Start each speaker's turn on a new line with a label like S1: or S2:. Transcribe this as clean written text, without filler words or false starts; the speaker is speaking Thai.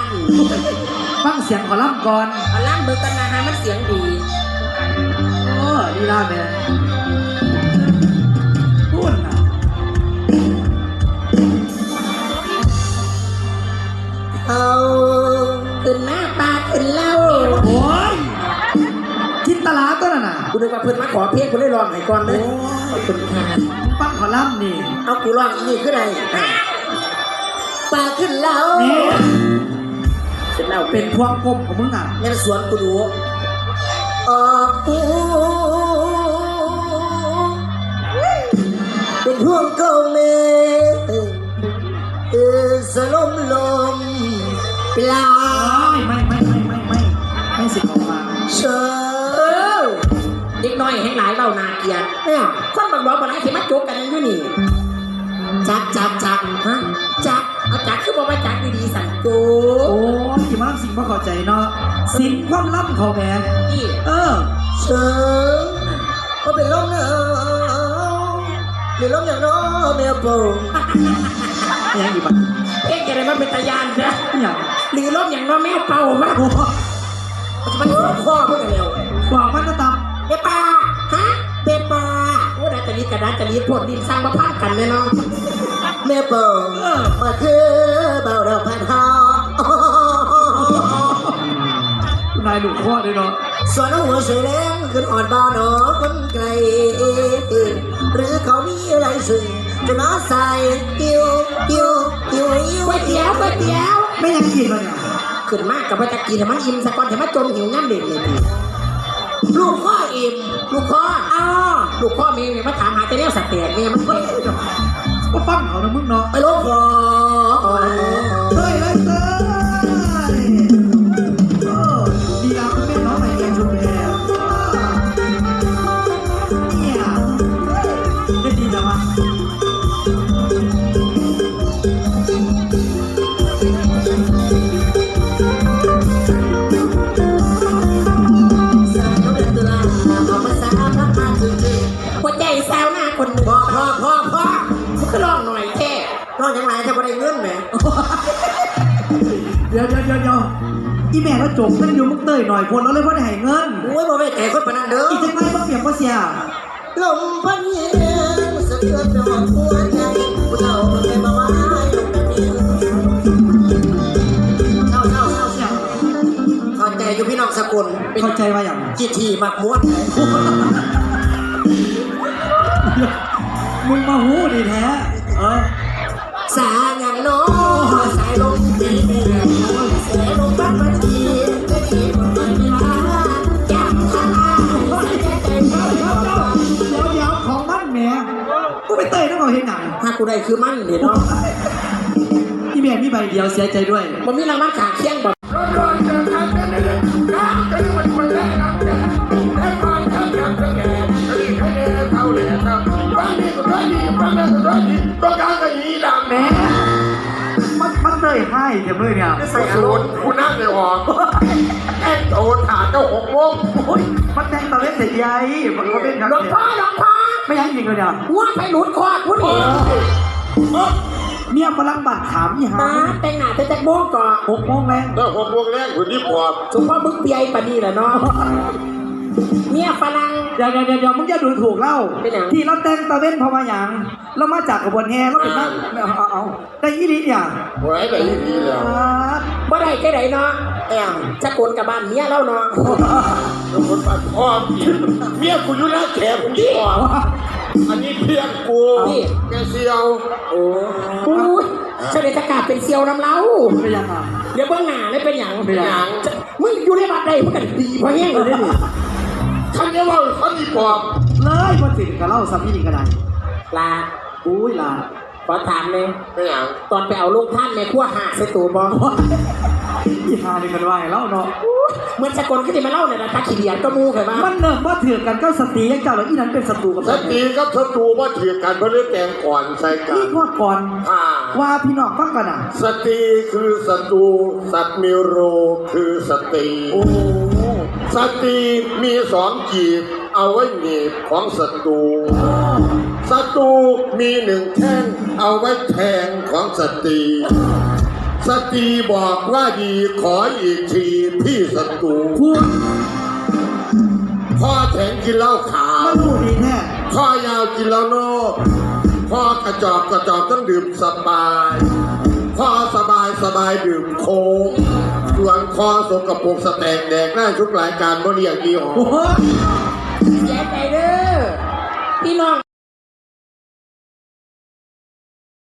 S1: ฟังเสียงขอล่ำก่อน
S2: เอาล่ำเบิกกันนะฮะมันเสียงดี
S1: โอ้ดีล่าแม่พูดนะ
S2: เอาขึ้นหน้าตาขึ้นเล่า
S1: โอ้ยจินตลาตัวน่ะ
S2: กูนึกว่าเพื่อนมาขอเพลงคนได้ร้องให้ก่อนเลยคุณค่ะ
S1: ฟังขอล่ำนี่
S2: เอากูร้องอีกขึ้นไหนปลาขึ้นเล่าขึ้นเล่า
S1: เป็นพวงกลมของมึงอ่ะ
S2: แม่สวนกูดูออกเป็นพวงกลมสลมลมปลา
S1: ไม่สิออกมา
S2: เชิญเด็กน้อยให้หลายเบานาเกียร์เนี่ยคนบางร้อนบางไหนที่มาจกกันอยู่นี่จักฮะจักเอาจักคือบอกว่าจักดีๆสั่งโจ้
S1: โอ้ยที่มาล่ำสิ่งมาขอใจเนาะสิ่งความล่ำเขาแม่
S2: เชิญก็เป็นลมเนาะเป็นลมอย่างน้อแมวโป่ง
S1: ยังอยู่ปะ
S2: เอ๊ะอะไรมันเป็นตายานนะ
S1: อย่าง
S2: หรือลมอย่างน้อแมวเป่ามากมันหัวข้อเพื่อนเร็ว
S1: บอกมันก็ตาม
S2: เบปาฮะเบปาโอ้ได้จะรีกระดาษจะรีผลดินสร้างมาพาดกันแน่นอนแม่เปิงมาคือเบาเราพันห
S1: อนายหลุดข้อเลยเนาะ
S2: ส่วนหัวเสือแดงขึ้นอ่อนบานอคนไกลหรือเขามีอะไรสิ่งจะน้าใส่ก๋วยเตี๋ยว
S1: ไม่ยังกินเลย
S2: ขึ้นมากกับว่าจะกินแต่มันอิ่มสักก่อนแต่มันจนหิวน้ำเด็กเลยพี่ลูกพ่ออิ่มลูกพ่อลูกพ่อเมย์มาถามหาแต่เนี้ยสัตว์เตะเมย์มัน
S1: ก็ฟังเขานะมึงเนาะ
S2: ไปลูกพ่อ
S1: เฮ้ยเลยดีแล้วคุณเป็นน้องใหม่เรียนชุมแพรเนี่ยได้ดีแล้วมั้ง
S2: หัวใจแซวหน้าคนพ่อก็ลองหน่อยแค่ลองยังไงถ้าไม่ได้เงินไหม
S1: เดี๋ยวอีแม่ก็จบมันอยู่มึงเตยหน่อยคนแล้วเลยว่าได้ให้เงิน
S2: โอ้ยบ่ไม่แต่คนปนันเด้อ
S1: อีจังไรบ่เปียกบ่เสีย
S2: ลมพัดเย็นสะเทือนดอกหัวใจผู้เฒ่าคนแก่มาว่าลงแบบนี้เข้าใจอยู่พี่น้องสกุล
S1: เข้าใจว่าอย่าง
S2: จีทีมักม้วน
S1: มึงมาหูดีแท้
S2: สาอย่างน้อสายลมดีสายลมบ้านมาทีไม่ดีกว่าไม่มาจับท่า
S1: เดี๋ยวของมันแม่กูไปเตยต้องเอาเห็นหนัง
S2: ถ้ากูได้คือมันเดี๋ยวเนาะ
S1: พี่แม่มีใบเดียวเสียใจด้วย
S2: มันมีรางวัลขาเคียงแบบ
S1: ต้องการกระยีดังแม่มันเลยให้เดี๋ยวเลยเนี่ย
S3: ใส่ศูนย์คุณนั่งในหอแอนโตถาเจ้า6 โมง
S1: มันแดงตะเล็กแต่ใหญ่มันก็เป็น
S2: หลวงพ่อ
S1: ไม่ยังยิงเลยเนี่ย
S2: ว่าไปหลุดคอผู้นี้
S1: เมียฝรั่งบาดถามยี่ห้า
S2: แต่งหน้าแต่โมงก่อน
S1: 6 โมงแรง
S3: 6 โมงแรงคุณนี่พอ
S2: สุภาพบึกเปียปนีแหละเนาะเมียฝรั่ง
S1: เดี๋ยวมึงจะดูถูกเล่าที่เราแต่งตะเว้นเพราะว่าอย่างเรามาจากกระบวนแห่เราเป็นนักเอาได้ยี่ลีเนี่ย
S3: บ่ได้ยี่ลีแล้ว
S2: บ่ได้แค่ไหนเนาะจะโกนกับบ้านเมียเราเนาะ
S3: คนบ้านพ่อเมียกูอยู่หน้าแขกกูดีกว่าอันนี้เพื่อนกูแกเซียว
S2: โอ้เฉลยจะกาเป็นเซียวน้ำเล้า
S1: เป็นยังไง
S2: เดี๋ยวเบื้องหน้าได้เป็นอย่างมึงอยู่ในบัดใดมึงกันดีเพราะแห้งเลยนี่
S3: คันนี้ว่าเขาดีกว่า
S1: เลยพอติดกับเล่าสัมพีนี่ก็ได้
S2: ลา
S1: ลา
S2: ขอถามเลย
S3: เป็นอย่าง
S2: ตอนไปเอาลูกท่านในขั้วหาใส่ตูบอ
S1: ยี่ห้านี่มันว่าไงเล่าเนาะ
S2: เหมือนสกลก็จะมาเล่าเนี่ยนะตาขี้เดียนก็มูเคยมา
S1: มันเนิ่มว่าถือกันก็สตียังเจ้าแล้วอีนั้นเป็นศัตรูกับ
S3: สตีก็ศัตรูว่าถือกันเพราะเรื่องแกงก่อนใส่กัน
S1: นี่ว่าก่อนว่าพี่น้องฟังกัน
S3: สตีคือศัตรูสัตว์มีโรคือสตีสตีมี2 กีบเอาไว้หนีบของศัตรูศัตรูมี1 แท่งเอาไว้แทงของสตีสตรีบอกว่าดีขออีกทีพี่ศัตรู
S1: พูด
S3: พ่อแข็งกินเหล้าขาว
S1: มันพูดดีแน่
S3: พ่อยาวกินเหล้านอกพ่อกระจอกต้องดื่มสบายพ่อสบายดื่มโค้งส่วนคอสกปรกสแตกแดกได้ทุกรายการบ่เรียกยี่ห้อ
S1: โอ้โห
S2: เสียใจเด้อพี่น้อง